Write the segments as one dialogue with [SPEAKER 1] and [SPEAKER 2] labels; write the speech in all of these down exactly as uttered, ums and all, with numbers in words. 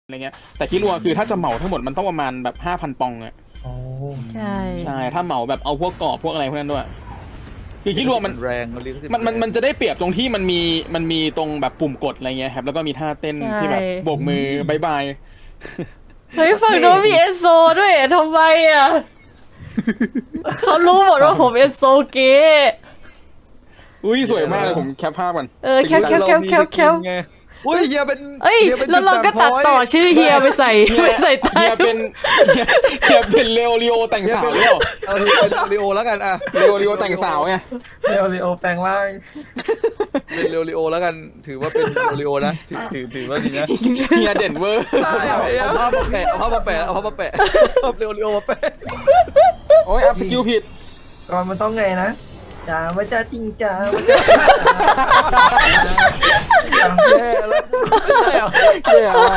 [SPEAKER 1] อะไรเงี้ยแต่ที่รัวคือถ้าจะเหมาทั้งหมดมันต้องประมาณแบบห้าพันปองอะ
[SPEAKER 2] ใช่
[SPEAKER 1] ใช่ถ้าเหมาแบบเอาพวกกรอบพวกอะไรพวกนั้นด้วยคือคิดรัวมัน
[SPEAKER 3] แรง
[SPEAKER 1] มันมันมันจะได้เปรียบตรงที่มันมีมันมีตรงแบบปุ่มกดอะไรเงี้ยครับแล้วก็มีท่าเต้นที่แบบโบกมือบายบาย
[SPEAKER 2] เฮ้ยฝั่งโน้นมีเอโซด้วยทำไมอ่ะเขารู้หมดว่าผมเอโซเกะ
[SPEAKER 1] อุ้ยสวยมากเลยผมแคปภาพก่อน
[SPEAKER 2] เออแคปแคปแคปแคปแคป
[SPEAKER 3] อุ้ยเฮียเป็น
[SPEAKER 2] เอ้ยแล้วเราก็ตัดต่อชื่อเฮียไปใส่ไปใส่ใต้
[SPEAKER 1] เฮียเป็นเฮียเป็นเลโอริโอแต่งสาวหรือเปล่า
[SPEAKER 3] เอาเป็นเลโอแล้วกันอ่ะ
[SPEAKER 1] เลโอริโอแต่งสาวไง
[SPEAKER 4] เลโอริโอแปลงร่าง
[SPEAKER 3] เป็นเลโอริโอแล้วกันถือว่าเป็นเลโอริโอนะถือถือถือว่าดีนะ
[SPEAKER 1] เฮียเด่นเวอร์
[SPEAKER 3] เอาภาพมาแปะเอาภาพมาแปะเอาภาพมาแปะเอาเลโอริโอมาแปะ
[SPEAKER 1] โอ้ยอัพสกิลผิด
[SPEAKER 4] ก่อนมันต้องไงนะจ้าว่าจะจริงจ้าว่าจะ
[SPEAKER 3] แย่แล้ว
[SPEAKER 4] ไม่ใช่หรอ
[SPEAKER 1] แย่มาก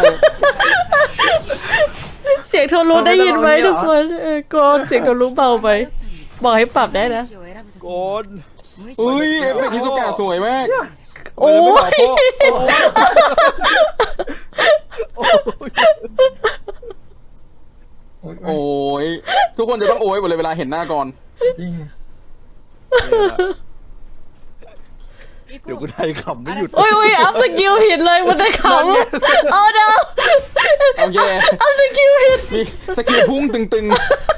[SPEAKER 2] เสียงโทรรู้ได้ยินไหมทุกคนเออโกนเสียงโทรรู้เบาไปบอกให้ปรับได้นะ
[SPEAKER 3] โกน
[SPEAKER 1] อุ้ยเอฟเฟกต์ฮิโซกะสวยมาก
[SPEAKER 2] โอ้ย
[SPEAKER 1] โอ้ยทุกคนจะต้องโอ้ยหมดเลยเวลาเห็นหน้าก่อน
[SPEAKER 4] จริง
[SPEAKER 3] เดี๋ยวกูได้ขำไม่หยุด
[SPEAKER 2] โอ้ยโอ้ยอัพสกิลผิดเลยมันได้ขำเอาเด้อ
[SPEAKER 1] โอเค
[SPEAKER 2] อัพสกิลผิด
[SPEAKER 1] มีสกิลพุ่งตึง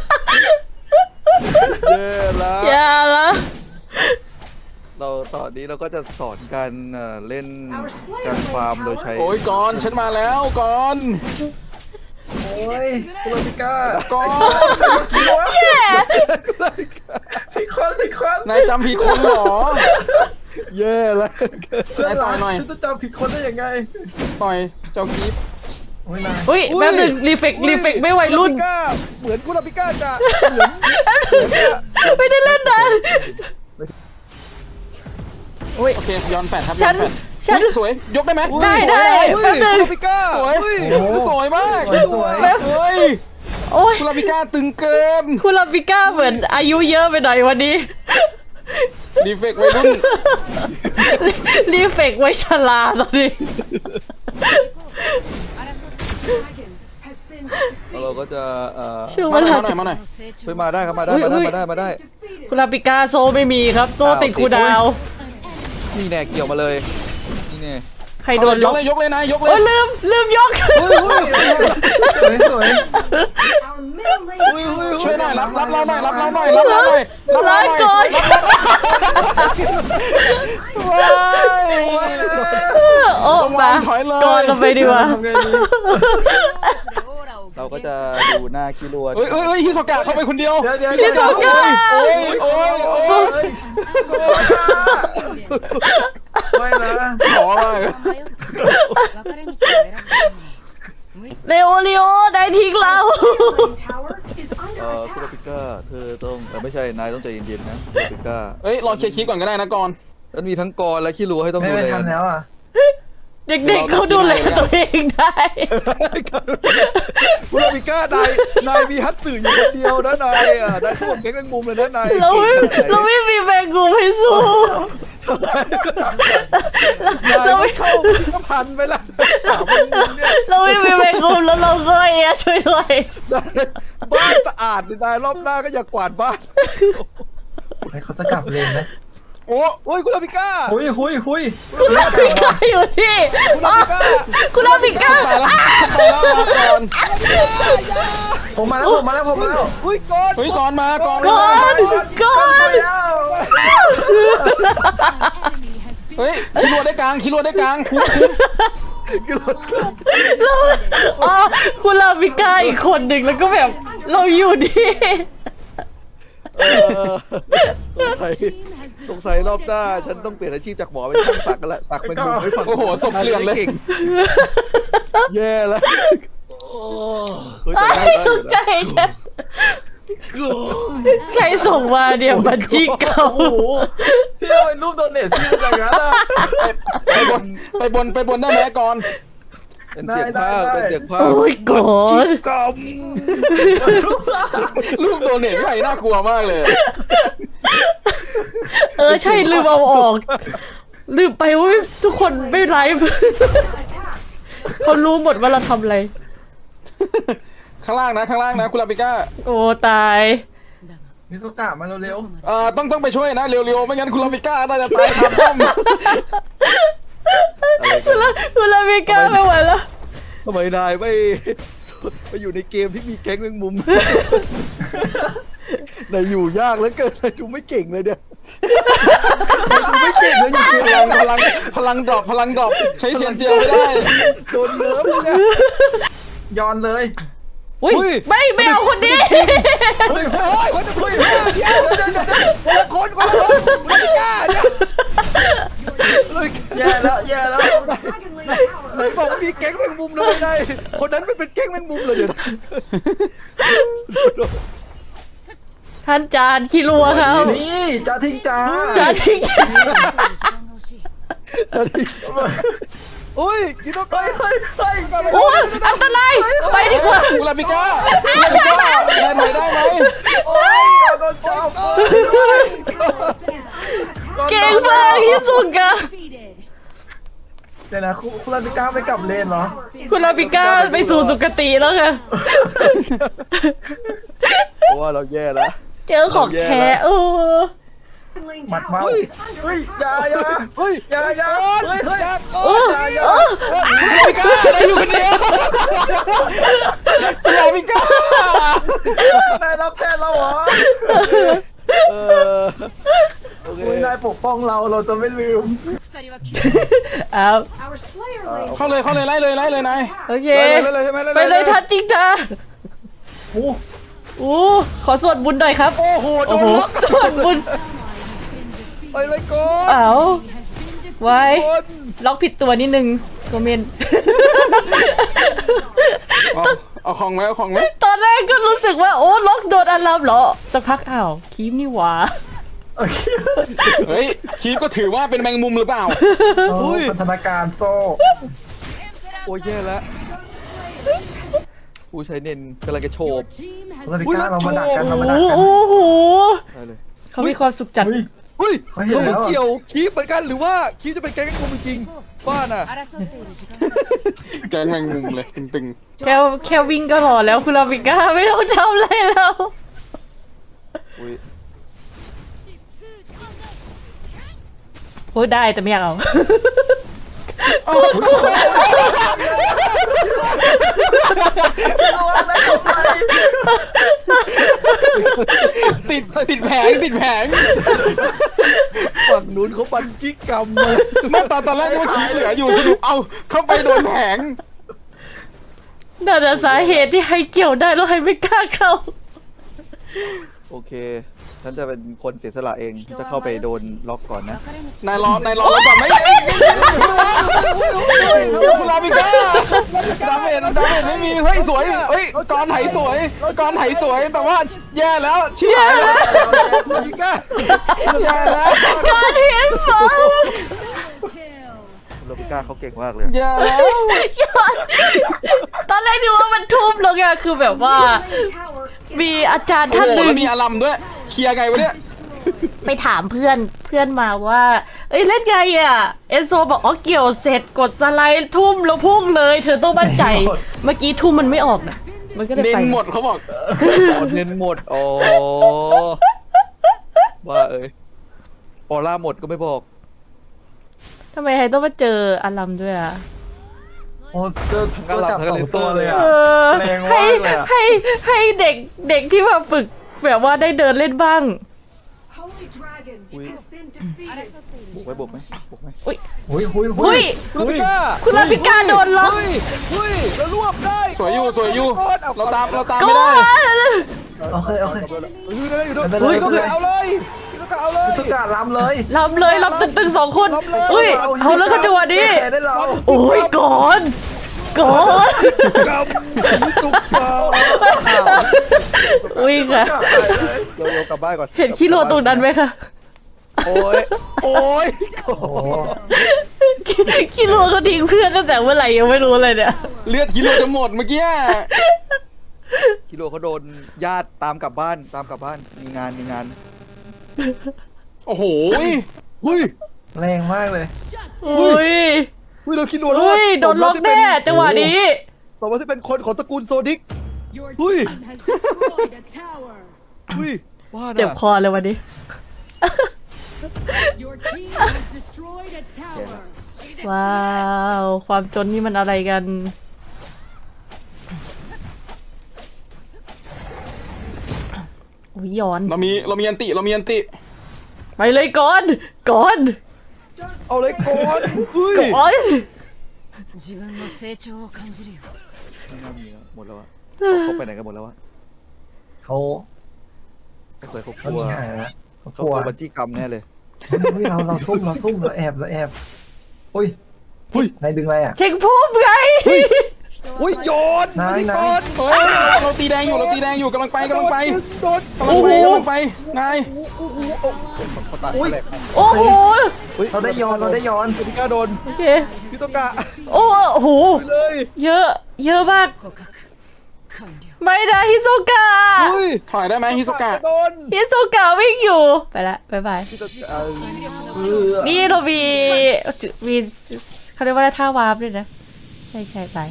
[SPEAKER 3] ๆเย้ละ
[SPEAKER 2] อย่าละ
[SPEAKER 3] เราตอนนี้เราก็จะสอนการเล่นการฟาร์มโดยใช้
[SPEAKER 1] โอ้ยก่อนฉันมาแล้วก่อน
[SPEAKER 4] โอ้ยคุณลาปิก้า
[SPEAKER 1] ก่อน
[SPEAKER 2] แย่
[SPEAKER 4] ผิดคนผิดคน
[SPEAKER 1] นายจำผิดคนหรอ
[SPEAKER 3] แย่แล้ว
[SPEAKER 1] นายต่อยหน่อย
[SPEAKER 4] ฉันจะจำผิดคนได้ยังไง
[SPEAKER 1] ต่อยเจ้ากีบ
[SPEAKER 2] อุ้ยแป๊บนึงรีเฟกรีเฟกไม่วัยรุ่น
[SPEAKER 3] เหมือนกุลาปิก้าจะ
[SPEAKER 2] ไม่ได้เล่นนะ
[SPEAKER 1] โอเคย้อนแฟนครับ
[SPEAKER 2] ฉันฉัน
[SPEAKER 1] สวยยกได้ไหม
[SPEAKER 2] ได้ได้แป๊บนึง
[SPEAKER 1] สวยสวยมาก
[SPEAKER 4] สวย
[SPEAKER 1] เฮ้ย
[SPEAKER 2] โอ้ย
[SPEAKER 1] คุณลาปิก้าตึงเกิน
[SPEAKER 2] คุณลาปิก้าเหมือนอายุเยอะไปหน่อยวันนี้
[SPEAKER 1] รีเฟกวัยรุ่น
[SPEAKER 2] รีเฟกไว้ชราตอนนี้
[SPEAKER 3] เราก็จะ
[SPEAKER 2] ช่วย
[SPEAKER 1] มาหน่
[SPEAKER 2] อย
[SPEAKER 1] มาหน่อย
[SPEAKER 3] เฮ้ยมาได้ครับมาได้มาได้มาได้มาได้
[SPEAKER 2] คุณลาปิก้าโซไม่มีครับโซติดคูดาว
[SPEAKER 3] นี่แน่เกี่ยวมาเลยนี่แน่
[SPEAKER 2] ใครโดน
[SPEAKER 1] ยกเลยยกเลยนะยกเลย
[SPEAKER 2] ลืมลืมยก
[SPEAKER 4] สวย
[SPEAKER 1] ช่วยหน่อยรับรับเราหน่อยรับเราหน่อยรับเราหน่อยรับเราหน่อย
[SPEAKER 2] ก่อนโอ้มาก่อนเราไปดีกว่า
[SPEAKER 3] เราก็จะดูหน้าคิรัว
[SPEAKER 1] เฮ้ยเฮ้ยฮิโซกะเข้าไปคนเดียว
[SPEAKER 2] ฮิโซกะ
[SPEAKER 1] โอ้ยโอ้ยโอ้ย
[SPEAKER 4] ไม่นะ
[SPEAKER 1] ขอเลย
[SPEAKER 2] เลโอริโอได้ทิ้งเรา
[SPEAKER 3] เออคุลาปิก้าเธอต้องไม่ใช่นายต้องใจเย็นๆนะคุลาปิก้า
[SPEAKER 1] เอ้ยรอเคลียร์คลิปก่อนก็ได้นะก่อน
[SPEAKER 3] มันมีทั้งกรและคิรัวให้ต้องดูแล
[SPEAKER 4] ไม่ทันแล้วอ่ะ
[SPEAKER 2] เด็กๆเขาดูแลตัวเองได้
[SPEAKER 3] คุลาปิก้านายนายมีฮัตสึอยู่คนเดียวนะนายอ่ะนายสู้แก๊งแมงมุมเลยนะนาย
[SPEAKER 2] เราไม่เราไม่มีแมงมุมให้สู้
[SPEAKER 3] เราไม่เข้าพิพิธภัณฑ์ไปละสามแมงมุมเนี่ย
[SPEAKER 2] เราไม่มีแมงมุมแล้วเราก็เอะช่วยด้วย
[SPEAKER 3] บ้านสะอาดนายรอบหน้าก็อย่ากวาดบ้าน
[SPEAKER 4] เขาจะกลับเลยไหม
[SPEAKER 3] โอ้โอ้ยคุณลาปิก้า
[SPEAKER 4] หุยหุยหุย
[SPEAKER 2] คุณลาปิก้าอยู่ที่คุณลาปิก้าคุณลาปิก้า
[SPEAKER 4] ผมมาแล้วผมมาแล้วผมมาแล้ว
[SPEAKER 3] หุยก่อน
[SPEAKER 1] หุยก่อนมาก่อน
[SPEAKER 2] ก่อนก่อน
[SPEAKER 1] เฮ้ยคิรัวได้กลางคิรัวได้กลางคุ้ม
[SPEAKER 2] อ๋อคุณลาปิก้าอีกคนหนึ่งแล้วก็แบบเราอยู่ดี
[SPEAKER 3] สงสัยสงสัยรอบหน้าฉันต้องเปลี่ยนอาชีพจากหมอเป็นช่างสักกันละสักเป็นมุมไม่ฟัง
[SPEAKER 1] โอ้โหสมเกลียนเลย
[SPEAKER 3] แย่แล้ว
[SPEAKER 2] ตกใจฉันใครส่งมาเนี่ยบัญชีเก่า
[SPEAKER 4] พี่เอาไอ้รูปโดนเน็ตพี่อย่างนั้นอ่ะ
[SPEAKER 1] ไปบนไปบนไปบนได้ไหมก่อน
[SPEAKER 3] เป็นเสียงภาพเป็นเสียงภาพ
[SPEAKER 2] โอ้ยก่อน
[SPEAKER 3] กรรม
[SPEAKER 1] ลูกโดนเน็ตใครน่ากลัวมากเลย
[SPEAKER 2] เออใช่ลืมเอาออกลืมไปว่าทุกคนไม่ไลฟ์เขารู้หมดว่าเราทำอะไร
[SPEAKER 1] ข้างล่างนะข้างล่างนะคุณลาปิก้า
[SPEAKER 2] โอ้ตาย
[SPEAKER 4] มิสุกะมาเร็ว
[SPEAKER 1] เอ่อต้องต้องไปช่วยนะเร็วๆไม่งั้นคุณลาปิก้าน่าจะตายคาป้อม
[SPEAKER 2] คุณลาคุณลามิก้าไม่ไหวแล้ว
[SPEAKER 3] ทำไมนายไม่ไปอยู่ในเกมที่มีแก๊งแมงมุม นายอยู่ยากเหลือเกินนายดูไม่เก่งเลยเนี่ยนายดูไม่เก่งเลยอยู่เกม
[SPEAKER 1] พลังพลังพลังดรอปพลังดรอปใช้เชียนเจียวไม่ได้
[SPEAKER 3] โดนเนิร์ฟเลยเนี่ย
[SPEAKER 4] ๆย้อนเลย
[SPEAKER 2] อุ้ย
[SPEAKER 3] อุ้ย
[SPEAKER 2] ไม่ไม่เอาคนนี้
[SPEAKER 3] เฮ้ยเฮ้ยเขาจะคุยเดี๋ยวเดี๋ยวเดี๋ยวคนละคนคนละคนคนละกล้าเนี่ยเลย
[SPEAKER 4] แย่แล้วแย่แล้ว
[SPEAKER 3] ไหนบอกว่ามีแก๊งแมงมุมเลยนายคนนั้นมันเป็นแก๊งแมงมุมเลยเดี๋ยวนะ
[SPEAKER 2] ท่านจานคิรัวเขา
[SPEAKER 4] นี่จ้าทิ้งจ้า
[SPEAKER 2] จานทิ้ง
[SPEAKER 3] โอ้ยกินต้องไป
[SPEAKER 4] เฮ้ยเฮ้ย
[SPEAKER 2] โอ้อันตรายไปดีกว่า
[SPEAKER 1] คุณลาปิก้าคุณลาปิก้าได้ไหมได้ไหม
[SPEAKER 3] โอ้ย
[SPEAKER 4] โดนจับ
[SPEAKER 2] เก่งมากที่สุดกะ
[SPEAKER 4] เดี๋ยวนะคุณคุณลาติก้าไม่กลับเลนเหรอ
[SPEAKER 2] คุณลาปิก้าไปสู่สุคติแล้วค่ะ
[SPEAKER 3] เพราะว่าเราแย่แล้ว
[SPEAKER 2] เจอของแท้เออ
[SPEAKER 4] หมัดเมาเฮ้ยอย่าอย่า
[SPEAKER 3] เฮ้ย
[SPEAKER 4] อย่าอย่าเฮ้ยเฮ้ย
[SPEAKER 3] อยาก
[SPEAKER 2] เออเออ
[SPEAKER 1] คุณลาปิก้าได้อยู่คนเดียวคุณลาปิก้าน
[SPEAKER 4] ายรับแทนเราเหรอ
[SPEAKER 3] เออโอเค
[SPEAKER 4] คุณนายปกป้องเราเราจะไม่ลืม
[SPEAKER 2] เอา
[SPEAKER 1] เข้าเลยเข้าเลยไล่เลยไล่เลยนาย
[SPEAKER 2] โอเค
[SPEAKER 3] ไปเลยใช่ไหม
[SPEAKER 2] ไปเลยทัดจริงจ้า
[SPEAKER 4] โอ้
[SPEAKER 2] อู้ขอสวดบุญหน่อยครับ
[SPEAKER 3] โอ้โหโด
[SPEAKER 2] โอ้
[SPEAKER 3] น
[SPEAKER 2] โห
[SPEAKER 3] ล็อก
[SPEAKER 2] สวดบุญ
[SPEAKER 3] ไปเลยก่อน
[SPEAKER 2] เอาไว้
[SPEAKER 3] คน
[SPEAKER 2] ล็อกผิดตัวนิดนึงโกเมน
[SPEAKER 1] เอาเอาของไหมเอาของไหม
[SPEAKER 2] ตอนแรกก็รู้สึกว่าโอ้ล็อกโดนอัลลัมเหรอ สักพักอ้าวคีมนี่หว่า
[SPEAKER 1] เฮ้ยคีฟก็ถือว่าเป็นแมงมุมหรือเปล่า
[SPEAKER 4] พัฒนาการโซ่
[SPEAKER 3] โอ้ยแย่แล้วผู้ใช้เน้นกำลังจะโฉบ
[SPEAKER 4] คุณลาติก้าเรามาดักกันเรามา
[SPEAKER 2] โอ้
[SPEAKER 4] ดักกัน
[SPEAKER 2] โห
[SPEAKER 3] ได้เลย
[SPEAKER 2] เขามีความสุขจัด
[SPEAKER 4] เฮ้ย
[SPEAKER 3] เฮ้ย
[SPEAKER 4] เขาเห็น
[SPEAKER 3] เขา
[SPEAKER 4] แล้ว
[SPEAKER 3] เกี่ยวคีบเหมือนกันหรือว่าคีบจะเป็นแก๊งแมงมุมจริงๆบ้าน่ะ
[SPEAKER 1] แกงแมงมุมเลยตึง
[SPEAKER 2] แค่แค่วิ่งก็หล่อแล้วคุณลาปิก้าไม่ต้องทำอะไรแล้ว
[SPEAKER 3] อุ้ย
[SPEAKER 2] พูดได้แต่ไม่อยากเอา
[SPEAKER 1] ๆติดติดแผงติดแผง
[SPEAKER 3] ฝั่งนู้นเขาปันจิกรรมมา
[SPEAKER 1] เมื่อตอนตอนแรกนึกว่าคีฟเหลืออยู่สรุปเอาเข้าไปโดนแผง
[SPEAKER 2] นั่นน่ะสาเหตุที่ให้เกี่ยวได้แล้วให้ไม่กล้าเข้า
[SPEAKER 3] โอเคฉันจะเป็นคนเสียสละเองฉันจะเข้าไปโดนล็อกก่อนนะ
[SPEAKER 1] นายรอนายรอแล้วก่อนไหมคุณลาปิก้าดาเมจดาเมจไม่มีเฮ้ยสวยเฮ้ยกรไหสวยกรไหสวยแต่ว่าแย่แล้วชิบหายแล้ว
[SPEAKER 3] ลาปิก้า
[SPEAKER 1] แย่แล้ว
[SPEAKER 2] การเห็นฝน
[SPEAKER 3] ลาปิก้าเขาเก่งมากเลย
[SPEAKER 1] แย่แล้ว
[SPEAKER 2] ตอนแรกนึกว่ามันทุ่มลงอะคือแบบว่า มีอาจารย์
[SPEAKER 1] โอ้
[SPEAKER 2] ท่าน
[SPEAKER 1] โห
[SPEAKER 2] หนึ่ง
[SPEAKER 1] แล้วมีอารัมด้วยเคลียร์ไงวะเนี่ย
[SPEAKER 2] ไปถามเพื่อนเพื่อนมาว่า เอ้ยเล่นไงอะเอนโซบอกอ๋อเกี่ยวเสร็จกดสไลด์ทุ่มแล้วพุ่งเลย เธอต้องมั่นใจ เมื่อกี้ทุ่มมันไม่ออกนะมันก็เลย
[SPEAKER 1] เน้
[SPEAKER 2] ไป
[SPEAKER 1] นหมดเขาบอก
[SPEAKER 3] อ๋อเน้นหมดอ๋อบ้าเอ้ยออร่าหมดก็ไม่บอก
[SPEAKER 2] ทำไมไฮต้องมาเจออารัมด้วยอะ
[SPEAKER 4] โอ้เจอเจอจับสองตัวเลย
[SPEAKER 2] เอ
[SPEAKER 4] อ่ะ
[SPEAKER 2] อ
[SPEAKER 4] แรงมาก
[SPEAKER 2] ให้
[SPEAKER 4] เลยอะ
[SPEAKER 2] ให้ให้เด็กเด็กที่มาฝึกแบบว่าได้เดินเล่นบ้าง
[SPEAKER 3] บุกไหมบุกไหมบุกไหม
[SPEAKER 4] หุยหุยหุ
[SPEAKER 2] อุ้
[SPEAKER 4] ย
[SPEAKER 2] ย
[SPEAKER 3] ลาปิก้า
[SPEAKER 2] คุณลาปิก้าโดนล็อก
[SPEAKER 3] เฮ้ยเฮ้ยแล้วรวบได้
[SPEAKER 1] สวยอยู่สวยอยู่
[SPEAKER 3] เอา
[SPEAKER 1] เราตามเราตาม
[SPEAKER 2] ก็
[SPEAKER 1] ไม่ได้
[SPEAKER 4] โอเคโอเค
[SPEAKER 3] อยู่ได้อยู่ได้
[SPEAKER 4] ไม่เป็นไร
[SPEAKER 3] พี่
[SPEAKER 4] ไม่
[SPEAKER 3] ต้อง
[SPEAKER 4] เป็นไร
[SPEAKER 3] เอาเลยพี่ต้องเอาเลย
[SPEAKER 4] มิสุกะล้ำเลย
[SPEAKER 2] ลำเลยลำตึงๆสองคน
[SPEAKER 3] ลำเลย
[SPEAKER 2] อุ้ยเอาแล้วก็จังหวะนี้
[SPEAKER 4] แพ้ได้เรา
[SPEAKER 2] โอ้ยก่อนก่อน
[SPEAKER 3] กำพี่ตุกกำ
[SPEAKER 2] อุ้ยค่ะ
[SPEAKER 3] เดี๋ยวๆกลับบ้านก่อน
[SPEAKER 2] เห็นคิโลตรงนั้นไหมคะ
[SPEAKER 3] โอ้ยโอ้ย
[SPEAKER 4] โอ้โห
[SPEAKER 2] คิโลเขาทิ้งเพื่อนตั้งแต่เมื่อไหร่ยังไม่รู้เลยเนี่ย
[SPEAKER 1] เลือดกิโลจะหมดเมื่อกี้
[SPEAKER 3] กิโลเขาโดนญาติตามกลับบ้านตามกลับบ้านมีงานมีงาน
[SPEAKER 1] โอ้โห
[SPEAKER 3] เฮ้ย
[SPEAKER 4] แรงมากเลย
[SPEAKER 2] อุ้ย
[SPEAKER 3] เฮ้ยเราคิดโดน
[SPEAKER 2] อุ้ยโดนล็อกแน่จังหวะนี้
[SPEAKER 3] สบอกว่าที่เป็นคนของตระกูลโซดิก
[SPEAKER 5] Your
[SPEAKER 3] Ui.
[SPEAKER 5] team has destroyed a tower.
[SPEAKER 3] อุ้ยว่า
[SPEAKER 2] เจ็บ
[SPEAKER 3] น่ะ
[SPEAKER 2] คอเลยวันนี้
[SPEAKER 5] Your team has destroyed a tower.
[SPEAKER 2] ว้าว ความจนนี่มันอะไรกัน อุ้ยย้อน
[SPEAKER 1] เรามีเรามีอันติเรามีอันติ
[SPEAKER 2] ไปเลยก่อนก่อน
[SPEAKER 3] เอาเลยก่อนอุ้ย
[SPEAKER 2] ก่อน
[SPEAKER 5] 自分の成長を感じるよ。
[SPEAKER 3] ไม่น่ามีแล้วหมดแล้วอะเขาเขาไปไหนกันหมดแล้ววะ
[SPEAKER 6] เขา
[SPEAKER 3] ไอ้สวยเขาก
[SPEAKER 6] เขา
[SPEAKER 3] ลัว
[SPEAKER 6] หนีหายแล้วเขา
[SPEAKER 3] เขา
[SPEAKER 6] ก
[SPEAKER 3] ก
[SPEAKER 6] ลั
[SPEAKER 3] ลั
[SPEAKER 6] ว
[SPEAKER 3] วบัญชีกรรมแน่เลย
[SPEAKER 6] เฮ้ยเราเราซุ่มเราซุ่มเราแอบเราแอบอุ้ย
[SPEAKER 3] อุ้ย
[SPEAKER 6] นายดึงอะไรอ่ะ
[SPEAKER 2] เช็คภูมิไง
[SPEAKER 3] อุ้ยโยน
[SPEAKER 6] นาย
[SPEAKER 3] ไม่
[SPEAKER 6] นาย
[SPEAKER 3] ก่อน
[SPEAKER 1] เฮ้ยเราตีแดงอยู่เราตีแดงอยู่กำลังไปกำลังไป
[SPEAKER 3] โดน
[SPEAKER 1] กำลังไปกำลังไปนาย
[SPEAKER 3] โอ้โหโอ้โหโอ้โหเขาตายแหลก
[SPEAKER 2] โอ้โห
[SPEAKER 3] ฮ้ย
[SPEAKER 6] เราได้ย้อนเราได้ย้อน
[SPEAKER 3] พิก้าโดน
[SPEAKER 2] โอเค
[SPEAKER 3] พิโตกะ
[SPEAKER 2] โอ้โห
[SPEAKER 3] ไปเลย
[SPEAKER 2] เยอะ เยอะมาก
[SPEAKER 5] 捕獲完了。
[SPEAKER 2] ไม่ได้ฮิโซกะ
[SPEAKER 3] อุ้ย
[SPEAKER 1] ถอยได้ไหมฮิโซกะ
[SPEAKER 3] โดน
[SPEAKER 2] ฮิโซกะวิ่งอยู่ ไปละบ๊ายบาย
[SPEAKER 3] พิโตกะเออ
[SPEAKER 2] นี่เรามีมีเขาเรียกว่าท่าวาร์ปด้วยนะ ใช่ใช่ไป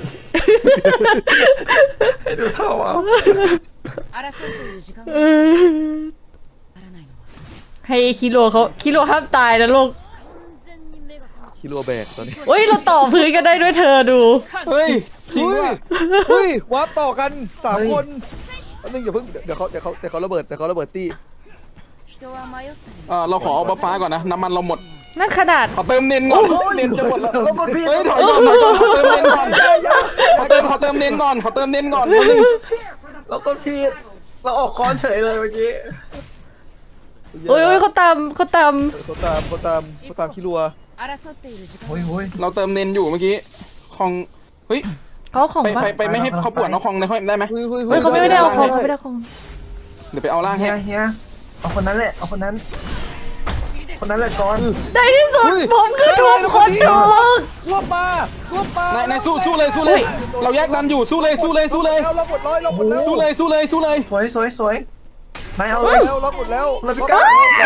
[SPEAKER 6] ดูเท่าอ่ะ
[SPEAKER 5] 争っている時間が
[SPEAKER 2] เออ
[SPEAKER 5] わからないのは
[SPEAKER 2] ให้คิโลเขาคิโลห้ามตายนะลูก
[SPEAKER 3] คิรัวแบกตอนนี้
[SPEAKER 2] เฮ้ย เราต่อพื้นกันได้ด้วยเธอดู
[SPEAKER 1] เฮ้ยจริง
[SPEAKER 3] อุ้ย
[SPEAKER 1] ว่ะ
[SPEAKER 3] อุ้ยวาร์ปต่อกันสามคนอันนึงอย่าเพิ่งเดี๋ยวเขาเดี๋ยวเขาเดี๋ยวเขาระเบิดเดี๋ยวเขาระเบิดตี้
[SPEAKER 5] 人は迷ったり
[SPEAKER 1] เออเราขอเอาบัฟฟ้าก่อนนะน้ำมันเราหมด
[SPEAKER 2] นั่นขนาด
[SPEAKER 1] ขอเติมเน้นก่อนเน้นจะหมดแล้ว
[SPEAKER 6] เรากดผิด
[SPEAKER 1] เฮ้ยถอยก่อนถอยก่อนขอเติมเน้นก่อนขอเติมขอเติมเน้นก่อนขอเติมเน้นก่อนนิดนึง
[SPEAKER 6] เรากดผิดเราออกคอนเฉยเลยเมื่อกี้
[SPEAKER 2] โอ้ยโอ้ยเขาตามเขาตาม
[SPEAKER 3] เขาตามเขาตามเขาตามคิรัว
[SPEAKER 5] 争っている時間
[SPEAKER 6] โอ้ยโอ้ย
[SPEAKER 1] เราเติมเน้นอยู่เมื่อกี้คองเฮ้ย
[SPEAKER 2] เขาของ
[SPEAKER 1] ไป
[SPEAKER 2] ปะ
[SPEAKER 1] ไปไปไม่ให้เขาปวดเอาคองได้ได้ไหม
[SPEAKER 3] เฮ้ยเฮ้ย
[SPEAKER 2] เฮ้ยเขาไม่ได้เอาของเขาไม่ได้เอาของ
[SPEAKER 1] เดี๋ยวไปเอาล่าง
[SPEAKER 6] เฮี
[SPEAKER 1] ให้
[SPEAKER 6] ยเฮียเอาคนนั้นแหละเอาคนนั้น คนนั้นแหละก่อน
[SPEAKER 2] ในที่สุดผมคือถูกคนถูก
[SPEAKER 3] รวบมารวบมาน
[SPEAKER 1] ายนายสู้สู้เลยสู้เลย เราแยกดันอยู่สู้เลยสู้เลยสู้เลย
[SPEAKER 3] เราหมดเลยเราหมดแล้ว
[SPEAKER 1] สู้เลยสู้เลยสู้เลย
[SPEAKER 6] สวยสวยสวยนายเอา
[SPEAKER 3] เรา
[SPEAKER 6] เลย
[SPEAKER 3] แล้วเราหมดแล้ว
[SPEAKER 6] เราไปก้า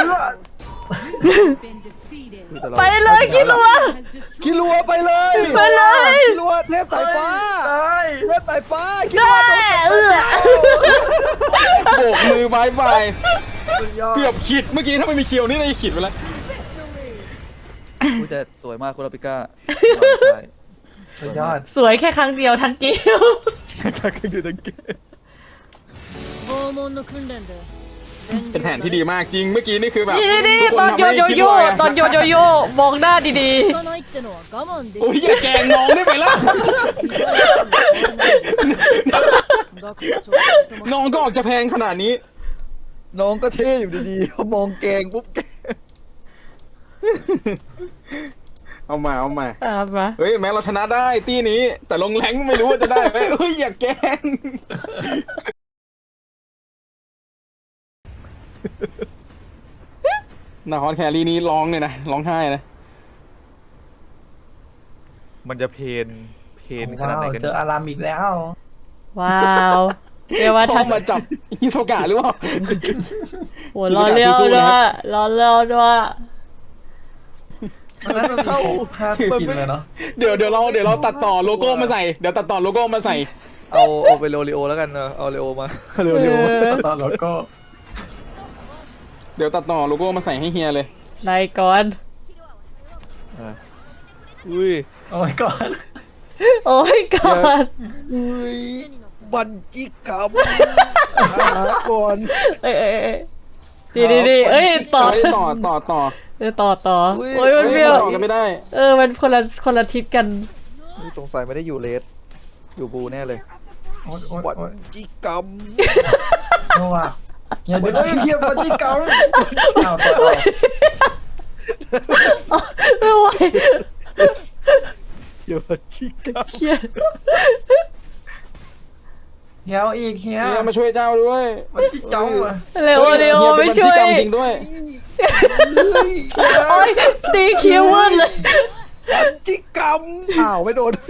[SPEAKER 5] been defeated.
[SPEAKER 2] ไปเลยคิดลัว
[SPEAKER 5] Has destroyed
[SPEAKER 3] คิรัวไปเลย
[SPEAKER 2] ไปเลย
[SPEAKER 3] คิรัวเทพสายฟ้า
[SPEAKER 6] ตาย
[SPEAKER 3] เทพสายฟ้าคิ
[SPEAKER 2] ได้
[SPEAKER 3] รัวโดน
[SPEAKER 2] เออ
[SPEAKER 1] โบกมือบายบาย
[SPEAKER 6] สุดยอด
[SPEAKER 1] เกือบขิดเมื่อกี้ถ้าไม่มีเคียวนี่เลยขิดไปแล้ว
[SPEAKER 3] อุ้ยแต่สวยมากคุณอาปิก้า
[SPEAKER 6] สุดยอด
[SPEAKER 2] สวยแค่ครั้งเดียวทั้งเกม
[SPEAKER 3] การขึ้นอยู่ทั้งเกม
[SPEAKER 5] 拷問の訓練で
[SPEAKER 1] เป็นแผนที่ดีมากจริงเมื่อกี้นี่คือแบบ
[SPEAKER 2] นี่นี่
[SPEAKER 1] ทุก
[SPEAKER 2] ต
[SPEAKER 1] ค
[SPEAKER 2] อนโย
[SPEAKER 1] ทำให้
[SPEAKER 2] โย
[SPEAKER 1] คิด
[SPEAKER 2] โย่
[SPEAKER 1] ว่า
[SPEAKER 2] ตอนโยโยโย่มองหน้าดี
[SPEAKER 5] 行かないってのは我慢で
[SPEAKER 1] โอ้ยอย่าแกล้งน้องได้ไหมล่ะ น้องก็ออกจะแพงขนาดนี้
[SPEAKER 3] น้องก็เท่อยู่ดีๆพอมองแกงปุ๊บแกง
[SPEAKER 1] เอามาเอามา
[SPEAKER 2] ๆอ่ามา
[SPEAKER 1] เฮ้ยแม้เราชนะได้ตีนี้ แต่ลงแรงไม่รู้ว่าจะได้ไหมเฮ้ยอย่าแกล้งนาคอนแครี่นี้ร้องเลยนะร้องไห้นะ
[SPEAKER 3] มันจะเพนเพนขนาด
[SPEAKER 6] ว้า
[SPEAKER 3] ไหน
[SPEAKER 6] ว
[SPEAKER 3] กัน
[SPEAKER 6] เจออารามอีกแล้ว
[SPEAKER 2] ว้าวเรียกว่า
[SPEAKER 1] พ่
[SPEAKER 2] ทั
[SPEAKER 1] อน มาจับฮิโซกะหรือเปล่า
[SPEAKER 2] โหรอเลี้ยวด้วยรอเลี้ยวด้วย
[SPEAKER 6] มันน่าจะเข้าห้าสิบกินเลยเนาะ
[SPEAKER 1] เดี๋ยวเดี๋ยวเราเดี๋ยวเราตัดต่อโลโก้มาใส่เดี๋ยวตัดต่อโลโก้มาใส่
[SPEAKER 3] เอาเอาไปโรลิโอแล้วกันเนอะเอาเรโอมาเร็ว
[SPEAKER 2] เออ
[SPEAKER 6] ตอนรถก็
[SPEAKER 1] เดี๋ยวตัดต่อโลโก้มาใส่ให้เฮียเลย
[SPEAKER 2] ได้ก่อน
[SPEAKER 3] ๆอุ้ย
[SPEAKER 6] โอ้ยก่อน
[SPEAKER 2] โอ้ยก่อน
[SPEAKER 3] อุ้ยบันจิกรรมหาก่อน
[SPEAKER 2] เอ้ยเอ้ยเอ้ยดีดีดีเอ้ยต่อ
[SPEAKER 1] เฮ้ยต่อต่อต่อ
[SPEAKER 2] เออต่อต่อ
[SPEAKER 3] อุ้ย
[SPEAKER 2] โอ้ยมัน
[SPEAKER 1] เฮ้ย
[SPEAKER 2] เปรี้ยว
[SPEAKER 1] ต่อกันไม่ได้
[SPEAKER 2] เออมันคนละคนละทิศกัน
[SPEAKER 3] นี่สงสัยไม่ได้อยู่เลสอยู่บูแน่เลย
[SPEAKER 6] โอ้ยโอ้ย
[SPEAKER 3] บัน
[SPEAKER 6] โอ้ย
[SPEAKER 3] จิกรรม
[SPEAKER 6] โอ้ว่ะเฮียเดี๋ยวเฮียปฏิกรรมเอาต่อเอา
[SPEAKER 2] ไม่ไหว
[SPEAKER 3] เดี๋ยวบันจิกรรม
[SPEAKER 2] เครียด
[SPEAKER 6] เฮียเอาอีกเฮีย
[SPEAKER 1] เฮียมาช่วยเจ้าด้วย
[SPEAKER 6] มันจิจ้องว่ะ
[SPEAKER 2] เร็วเร็ว
[SPEAKER 1] ฮีย
[SPEAKER 2] ไม่
[SPEAKER 1] เป็น
[SPEAKER 2] ช่วย
[SPEAKER 1] บัญชีกรรมจริงด้วย
[SPEAKER 2] โอ้ยตีคิววุ่นเลย
[SPEAKER 3] บันจิกรรมอ้าวไม่โดน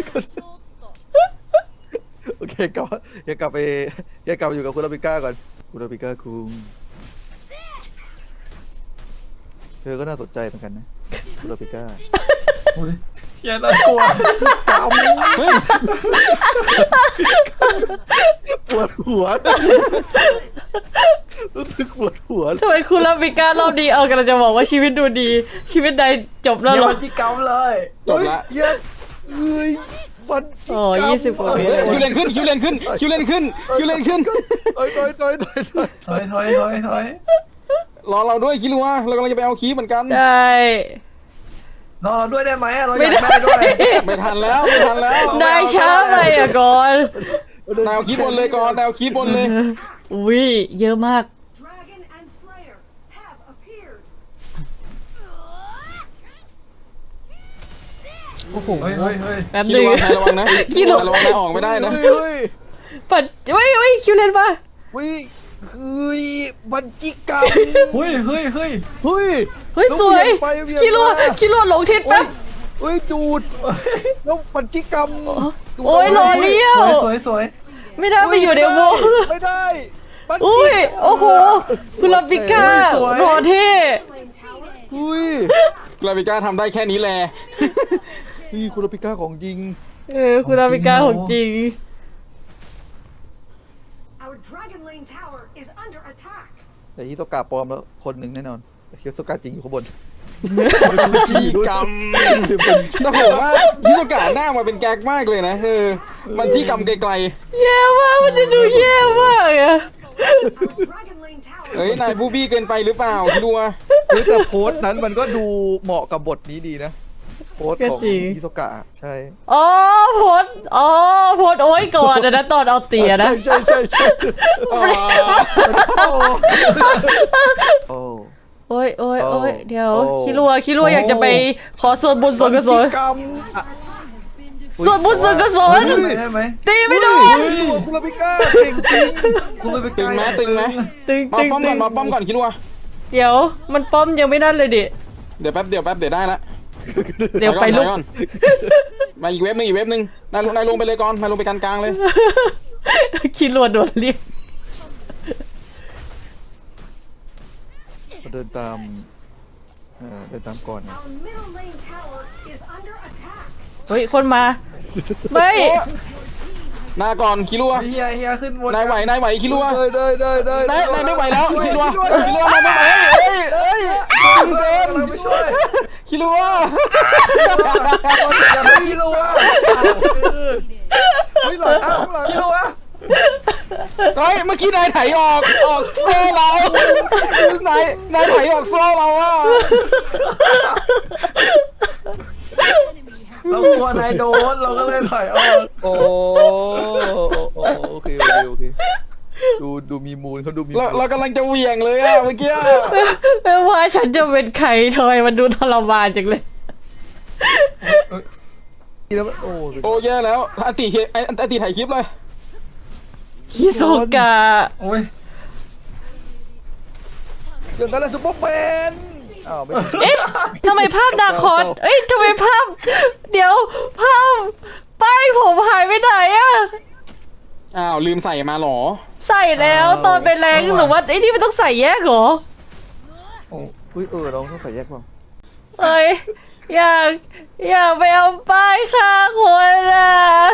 [SPEAKER 3] โอเคกลับอย่ากลับไปอย่ากลับไปอยู่กับคุณอาปิก้าก่อนคุณอาปิก้าคุงเธอก็น่าสนใจเหมือนกันนะคุณอาปิก้า
[SPEAKER 6] โอ้ยเฮียน่ากลัว
[SPEAKER 3] กำ
[SPEAKER 1] เฮ้ย
[SPEAKER 3] ปวดหัวรู้สึกปวดหัว
[SPEAKER 2] ทำไมคุณลาบิก้ารอบนี้เออกำลังจะบอกว่าชีวิตดูดี ชีวิตใดจบแล้ว
[SPEAKER 6] เฮีย
[SPEAKER 2] เหรอ
[SPEAKER 6] มันจิกรรมเลย
[SPEAKER 1] จบละ
[SPEAKER 3] เฮ้ยเอ้ยมันจิก
[SPEAKER 2] โอ้
[SPEAKER 3] กรรม
[SPEAKER 2] ยี่สิบกว่าเมตร
[SPEAKER 1] คิวเลนขึ้นคิวเลนขึ้นคิวเลนขึ้นคิวเลนขึ้น
[SPEAKER 3] เอ้ยถอยถอยถอยถอย
[SPEAKER 6] ถอยถอยถอยถอย
[SPEAKER 1] รอเราด้วยคิดว่าเรากำลังจะไปเอาคีย์เหมือนกัน
[SPEAKER 2] ได้
[SPEAKER 6] รอเราด้วยได้ไหมอะเราอ
[SPEAKER 2] ไม่
[SPEAKER 6] ยาก
[SPEAKER 2] ได้
[SPEAKER 6] ได้ด้วย
[SPEAKER 1] ไม่ทันแล้วไม่ทันแล้ว
[SPEAKER 2] ได้ช้าไปอ่ะก่อน
[SPEAKER 1] นายเอาคีย์บนเลยก่อนนายเอาคีย์บนเลย
[SPEAKER 2] อุ้ยเยอะมาก
[SPEAKER 5] Dragon and Slayer have appeared.
[SPEAKER 1] โอ้โห
[SPEAKER 6] เฮ้ยเฮ้ยเฮ้ย
[SPEAKER 2] แป๊บ
[SPEAKER 1] คิ
[SPEAKER 2] ห
[SPEAKER 1] ด
[SPEAKER 2] นึง
[SPEAKER 1] ว่านายระวังนะ
[SPEAKER 2] คิดว่า
[SPEAKER 1] นายระวังนายออกไม่ได้นะ
[SPEAKER 3] เฮ้ย
[SPEAKER 2] ปัดเฮ้ยเฮ้ยคิวเลนปะ
[SPEAKER 3] เฮ้ยเฮ้ยมันจิกกรรม
[SPEAKER 6] เฮ้ยเฮ้ยเฮ้ย
[SPEAKER 3] เฮ้ย
[SPEAKER 2] เฮ้ยสวย
[SPEAKER 3] ไปเวียน
[SPEAKER 2] คิดว่า
[SPEAKER 3] มา
[SPEAKER 2] คิดว่าหลงทิศแป๊บ
[SPEAKER 3] เฮ้ยดูดแล้วมันจิกกรรมดูด
[SPEAKER 2] โอ้ยหล่อเลี้ยว
[SPEAKER 6] สวยสวยสวย
[SPEAKER 2] ไม่ได้ไปอยู่ในวง
[SPEAKER 3] ไม่ได้มันจิก
[SPEAKER 2] อุ้ยโอ้โหคุณลาบิก้ารอเท่
[SPEAKER 3] อุ้ย
[SPEAKER 1] กราฟิก้าทำได้แค่นี้แหละ
[SPEAKER 3] นี่คุณลาปิก้าของจริง
[SPEAKER 2] เออคุณลาบิก้าของจริง
[SPEAKER 5] Our Dragon Lane Tower is under attack.
[SPEAKER 3] แต่ฮิโซกะปลอมแล้วคนหนึ่งแน่นอนแต่ฮิโซกะจริงอยู่ข้างบน
[SPEAKER 1] จีกรรมแต่ผมว่าฮิโซกะหน้ามาเป็นแก๊กมากเลยนะเออมันจี้กรรมไกล
[SPEAKER 2] แย่มากมันจะดูแย่มากอะ
[SPEAKER 5] Our Dragon Lane Tower.
[SPEAKER 1] ๆเอ้ยนายบูบี้เกินไปหรือเปล่าคิดว่า
[SPEAKER 3] เฮ้ยแต่โพสต์นั้นมันก็ดูเหมาะกับบทนี้ดีนะโพสต์ของฮิโซกะใช่
[SPEAKER 2] อ๋อโพสต์อ๋อโพสต์โอ้ยก่อนอะนะตอนเอาเตียนะ
[SPEAKER 3] ใช่ใช่ใช่ใช่โอ้
[SPEAKER 2] โอ้ยโอ้ยโอ้ยเดี๋ยว
[SPEAKER 3] โอ้
[SPEAKER 2] คิรัวคิรัวอยากจะไปขอส่วนบุญส่วนกุศล
[SPEAKER 3] กรรมอ่ะ
[SPEAKER 2] ส่วนบุญส่วนกุศล
[SPEAKER 6] ได้ไหม
[SPEAKER 2] ตีไม่โดน
[SPEAKER 3] เฮ้ยคุณลาปิก้าเก่งจริง
[SPEAKER 6] คุณเลยไป
[SPEAKER 1] ตึงไหมตึงไหม
[SPEAKER 2] ตึง
[SPEAKER 1] มา
[SPEAKER 2] ตึง
[SPEAKER 1] ป้อม
[SPEAKER 2] ตึ
[SPEAKER 1] ก่อง นมาป้อมก่อนคิดว่า
[SPEAKER 2] เดี๋ยวมันป้อมยังไม่นั่นเลยดิ
[SPEAKER 1] เดี๋ยวแป๊บเดี๋ยวแป๊บเดี๋ยวได้ละ
[SPEAKER 2] เดี๋ยวไปลุก
[SPEAKER 1] ก่อนมาอีกเว็บนึงอีกเว็บนึงนายลงนายลงไปเลยก่อนนายลงไปกลางๆเลย
[SPEAKER 2] คิรัวโดนเรียก
[SPEAKER 3] เดินตามเออเดินตามก่อนไง
[SPEAKER 5] Our middle lane tower is under attack.
[SPEAKER 2] เฮ้ยคนมาไม่
[SPEAKER 1] นายก่อนคิดว่า
[SPEAKER 6] เฮียเฮียขึ้นบน
[SPEAKER 1] นายไหวนายไหวคิดว่า
[SPEAKER 3] ได้ได้ได้ได้
[SPEAKER 1] นายนายไม่ไหวแล้วคิดว่า
[SPEAKER 3] ช่วย
[SPEAKER 1] คิดว่านายไม่ไหวเอ้ยเอ้ยตึงเกิน
[SPEAKER 6] เราไม่ช่วย
[SPEAKER 1] คิดว่า
[SPEAKER 6] อย่าไปคิดรู้ว่า
[SPEAKER 3] เฮ้ยหลังหลังหลัง
[SPEAKER 6] คิดรู้ว่า
[SPEAKER 1] เฮ้ยเมื่อกี้นายไถออกออกโซ่เรานายนายไถออกโซ่เราอะ
[SPEAKER 6] เรากลัวนายโดนเราก็เลยถอยออก
[SPEAKER 3] โอ้โอเคโอเคโอเคดูดูมีมูลเขาดูมีมู
[SPEAKER 1] เรา
[SPEAKER 3] ล
[SPEAKER 1] เรากำลังจะเหวี่ยงเลยอะเมื่อกี้
[SPEAKER 2] ไม่ว่าฉันจะเป็นใครทำไมมันดูทรมานจังเลย
[SPEAKER 3] แล้วโอ้
[SPEAKER 1] โอ้แย่แล้วอติเฮไอ้อติถ่ายคลิปเลย
[SPEAKER 2] ฮิโซกะ
[SPEAKER 6] โอ้ย
[SPEAKER 3] เรื่องกันแล้วซุปเปอร์แมนอ้าวไม่
[SPEAKER 2] เอ๊ะทำไมภาพนาคอสเอ้ยทำไมภาพ เดี๋ยวภาพป้ายผมหายไปไหนอะ
[SPEAKER 1] อ้าวลืมใส่มาหรอ
[SPEAKER 2] ใส่แล้วตอนไปแรงหรือว่าไอ้นี่มันต้องใส่แยกเหรอ
[SPEAKER 3] อุ้ยเออเราต้องใส่แยกเปล่า
[SPEAKER 2] เอ้ยอยากอยากไปเอาป้ายฆ่าคนอะ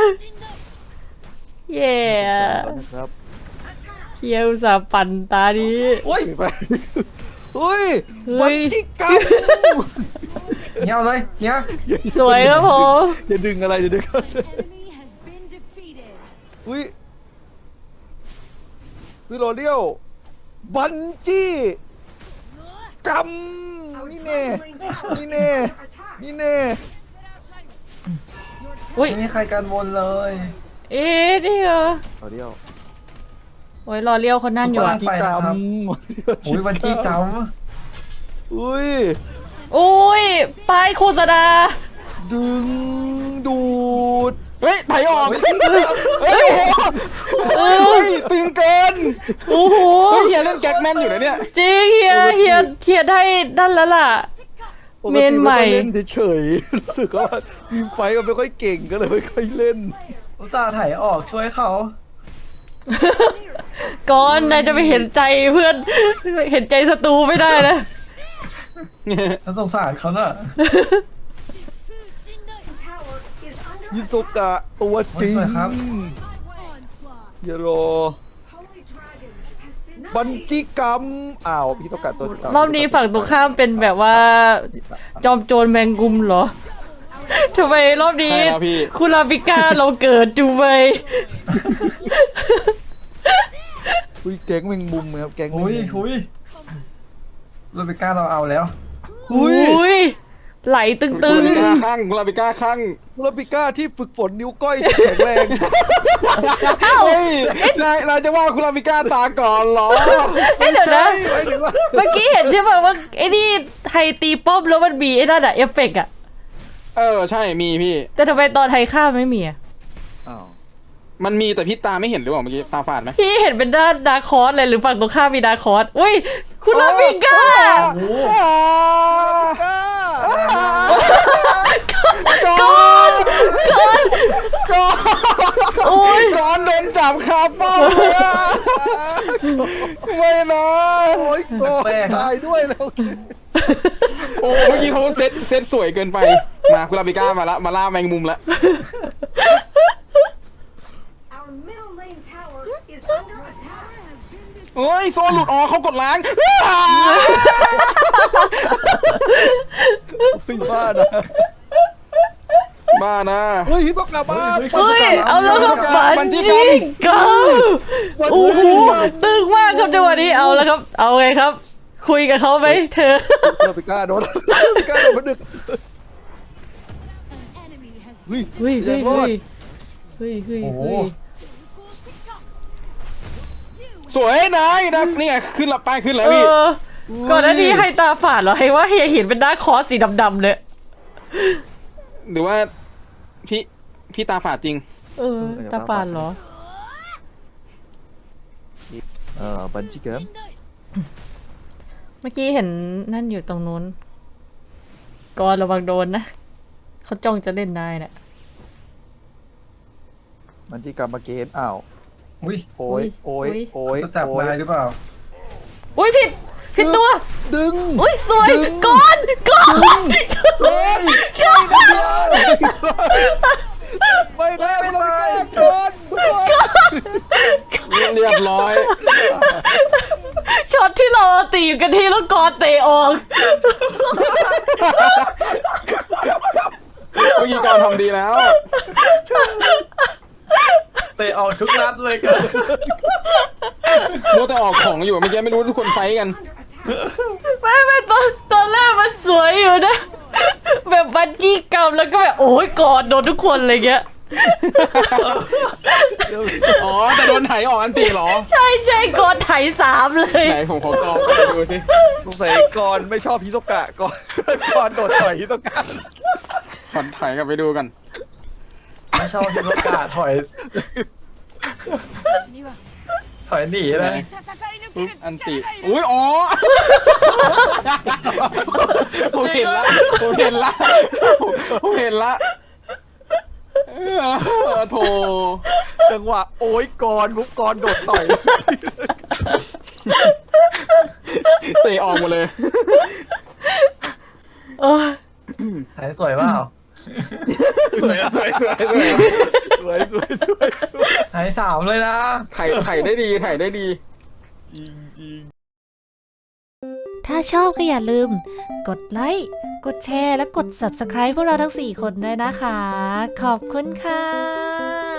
[SPEAKER 2] เย่
[SPEAKER 3] นะครับ
[SPEAKER 2] เฮียอุตส่าห์ปั่นตานี้
[SPEAKER 6] โอ้ย
[SPEAKER 3] ไปเฮ้ย
[SPEAKER 2] เฮ้
[SPEAKER 3] บั
[SPEAKER 2] ย
[SPEAKER 3] นจิกรรม
[SPEAKER 6] เฮียเอาเลยเฮีย
[SPEAKER 2] สวยครับผม
[SPEAKER 3] อย่าดึงอะไรอย่าดึงอะไร
[SPEAKER 5] Enemy has been defeated.
[SPEAKER 3] อุ้ยอุ้ยโรเลียวบันจี้กรรม
[SPEAKER 5] Our
[SPEAKER 3] นี่แน่
[SPEAKER 5] Dragon Lane Tower
[SPEAKER 3] นี่
[SPEAKER 5] is
[SPEAKER 3] แน่
[SPEAKER 5] under attack.
[SPEAKER 3] นี่แน่
[SPEAKER 2] อุ้ย
[SPEAKER 6] ไม่มีใครกันวนเลย
[SPEAKER 2] เอ๊ะนี่เหรอ
[SPEAKER 3] โรเลียว
[SPEAKER 2] โอ้ยรอเลี้ยวคนนั่นอยู่
[SPEAKER 3] บั
[SPEAKER 2] อะ
[SPEAKER 3] นจี้กรรม
[SPEAKER 6] โอ้ยวันจี้จ
[SPEAKER 3] อุ้ย
[SPEAKER 2] อุ้ยป้ายโฆษณา
[SPEAKER 3] ดึงดูด
[SPEAKER 1] เฮ้ยไถออก
[SPEAKER 2] เอ
[SPEAKER 1] เฮ้ย
[SPEAKER 2] อ
[SPEAKER 1] เฮ้ยตึงเกิน
[SPEAKER 2] โอ้โห
[SPEAKER 1] เฮ้ยเฮียเล่นแก๊กแมนอยู่นะเนี่ย
[SPEAKER 2] จริงเฮียเฮียเฮียได้ดันแล้วล่ะ
[SPEAKER 3] ปก
[SPEAKER 2] เมน
[SPEAKER 3] ติ
[SPEAKER 2] ใหม่
[SPEAKER 3] ไม่ค่อยเล่นเฉยๆรู้สึกว่ามีไฟมันไม่ค่อยเก่งก็เลยไม่ค่อยเล่น
[SPEAKER 6] ำอุตส่าห์ถ่ายออกช่วยเขา
[SPEAKER 2] ก่อนนายจะไปเห็นใจเพื่อน เห็นใจศัตรูไม่ได้นะ
[SPEAKER 6] ฉันสงสารเขาน่ะ
[SPEAKER 5] Tower
[SPEAKER 3] ฮิโซกะตัวจริง
[SPEAKER 6] สวยครับ
[SPEAKER 3] เยโรบันจิกรรมอ้าวฮิโซกะตัว
[SPEAKER 2] รอบนี้ฝั่งตรงข้ามเป็นแบบว่า จอมโจรแมงมุมเหรอทำไมรอบนี้
[SPEAKER 1] ใช่แล้วพี่
[SPEAKER 2] คุราบิก้าเราเกิดจูเบย
[SPEAKER 3] อุ้ยแก๊งแมงมุมครับแก๊งแมง
[SPEAKER 6] อุ้ย
[SPEAKER 3] มุม
[SPEAKER 6] อุ้ยโรเบก้าเราเอาแล้ว
[SPEAKER 3] อุ้ย
[SPEAKER 2] อุ้ยไหลตึง
[SPEAKER 1] กุลาบิก้าข้างกุลาบิก้าข้าง
[SPEAKER 3] ลาปิก้าที่ฝึกฝนนิ้วก้อยที่แข็งแรง
[SPEAKER 1] เฮ้ยนายนายจะว่ากุลาบิก้าตาก่อนเหรอ
[SPEAKER 2] ๆเอ้ยเดี๋ยวนะ
[SPEAKER 3] ใช่หมายถึงว่า
[SPEAKER 2] เมื่อกี้เห็นใช่ป่ะว่าไอ้นี่ไทยตีป้อมแล้วมันมีไอ้นั่นอะเอฟเฟกต์อะ
[SPEAKER 1] เออใช่มีพี่
[SPEAKER 2] แต่ทำไมตอนไทยข้ามไม่มีอะ
[SPEAKER 3] อ้าว
[SPEAKER 1] มันมีแต่พี่ตาไม่เห็นหรือเปล่าเมื่อกี้ตาฝาดไหม
[SPEAKER 2] พี่เห็นเป็นด้านดาร์คคอร์สเลยหรือฝั่งตรงข้ามมีดาร์คคอร์สอุ้ยคุณลาบิก้า
[SPEAKER 6] โอ้
[SPEAKER 3] ก้า
[SPEAKER 1] ก่อน
[SPEAKER 2] ก่อน
[SPEAKER 1] ก่อน
[SPEAKER 2] โอ้ย
[SPEAKER 1] ก่อนโดนจับคาป้อมเลยอะไม่นะ
[SPEAKER 3] โอ้ยโกรธตายด้วยแล้ว
[SPEAKER 1] โอ้เมื่อกี้เขาเซตเซตสวยเกินไปมากุลาบิก้ามาละมาล่าแมงมุมละ
[SPEAKER 5] Our middle lane tower is under attack.
[SPEAKER 1] เฮ้ยโซนหลุดอ๋อเขากดล้าง
[SPEAKER 3] สิ่งบ้านะ
[SPEAKER 1] บ้านะ
[SPEAKER 3] เฮ้ยฮิโตกะมา
[SPEAKER 2] เฮ้ยเอาแล้วครับบันจิก้าโอ้โหตึงมากครับจังหวะนี้เอาแล้วครับ เอาไงครับ คุยกับเขาไหมเธอ
[SPEAKER 3] ลาปิก้าโดนลาปิก้าโดนมันดึกเฮ้ย
[SPEAKER 2] เฮ้ยเฮ้ย
[SPEAKER 3] รอ
[SPEAKER 2] เฮ้
[SPEAKER 3] ด
[SPEAKER 2] ยเฮ้ยเฮ้ย
[SPEAKER 6] โห
[SPEAKER 2] เฮ้ย
[SPEAKER 1] สวยนะนะนี่ไงขึ้นละป้ายขึ้นแล้ว
[SPEAKER 2] เอ
[SPEAKER 1] พี่
[SPEAKER 2] อก่อนหน้านี้ให้ตาฝาดเหรอให้ว่าเฮียเห็นเป็นด้านคอร์สสีดำๆเลย
[SPEAKER 1] หรือว่าพี่พี่ตาฝาดจริง
[SPEAKER 2] เออตาฝาดเหรอ
[SPEAKER 3] เออบันจิเกม
[SPEAKER 2] เมื่อกี้เห็นนั่นอยู่ตรงนู้นก่อนระวังโดนนะเขาจ้องจะเล่นนายน่ะ
[SPEAKER 3] บันจิกรรมมาเกนอ้าว
[SPEAKER 6] อุ้ย
[SPEAKER 3] โอ้ยโอ้ยโอ้ย
[SPEAKER 6] จะจับ
[SPEAKER 3] โอ้ย
[SPEAKER 6] นายหรือเปล่า
[SPEAKER 2] อุ้ยผิดผิดตัว
[SPEAKER 3] ดึง
[SPEAKER 2] อุ้ยสวย
[SPEAKER 3] ดึง
[SPEAKER 2] ก่อนก่อน
[SPEAKER 3] เฮ้ยไม่ได้ไม่ได้โดนทุกคน
[SPEAKER 1] เรียบร้อย
[SPEAKER 2] ช็อตที่เราตีอยู่กันที่แล้วกอนเตะออก
[SPEAKER 1] เมื่อกี้ก่อนทำดีแล้ว
[SPEAKER 6] เตะออกทุกนัดเลยกัน
[SPEAKER 1] มัวแต่ออกของอยู่เมื่อกี้ไม่รู้ทุกคนไฟท์กัน
[SPEAKER 2] ไม่ไม่ตอนตอนแรกมันสวยอยู่นะ แบบบันจี้กรรมแล้วก็แบบโอ้ยกอดโดนทุกคนเลยเงี้ย
[SPEAKER 1] อ๋อแต่โดนไถออกอันตีเหรอ
[SPEAKER 2] ใช่ใช่กอดไถสามเลย
[SPEAKER 1] ไหนผมขอกองไปดูสิ
[SPEAKER 3] สงสัยก่อนไม่ชอบฮิโตกะก่อนก่อนโดดต่อยฮิโตกะ
[SPEAKER 1] ขอไถกลับไปดูกัน
[SPEAKER 6] ไม่ชอบที่ประกาศถอย
[SPEAKER 5] 私には
[SPEAKER 6] ถอยหนีเลย
[SPEAKER 5] 戦い抜
[SPEAKER 1] ปุ๊บ
[SPEAKER 5] ける
[SPEAKER 1] อันติ
[SPEAKER 5] 力がいる。
[SPEAKER 1] อุ้ยอ๋อผมเห็นละผมเห็นละผมผมเห็นละเออโถ
[SPEAKER 3] จังหวะโอ้ยก่อนมุกก่อนโดดต่อย
[SPEAKER 1] เตะออกหมดเลย
[SPEAKER 2] เออ
[SPEAKER 6] ถ่ายสวยเปล่า
[SPEAKER 1] สวยสวยสวยสวย
[SPEAKER 3] สวยสวยสวยสวย
[SPEAKER 6] ถ่ายสามเลยนะ
[SPEAKER 1] ไถไถได้ดีไถได้ดี
[SPEAKER 3] จริงจริง
[SPEAKER 2] ถ้าชอบก็อย่าลืม กดไลค์ กดแชร์ และกด ซับสไครบ์ พวกเราทั้งสี่คนด้วยนะคะ ขอบคุณค่ะ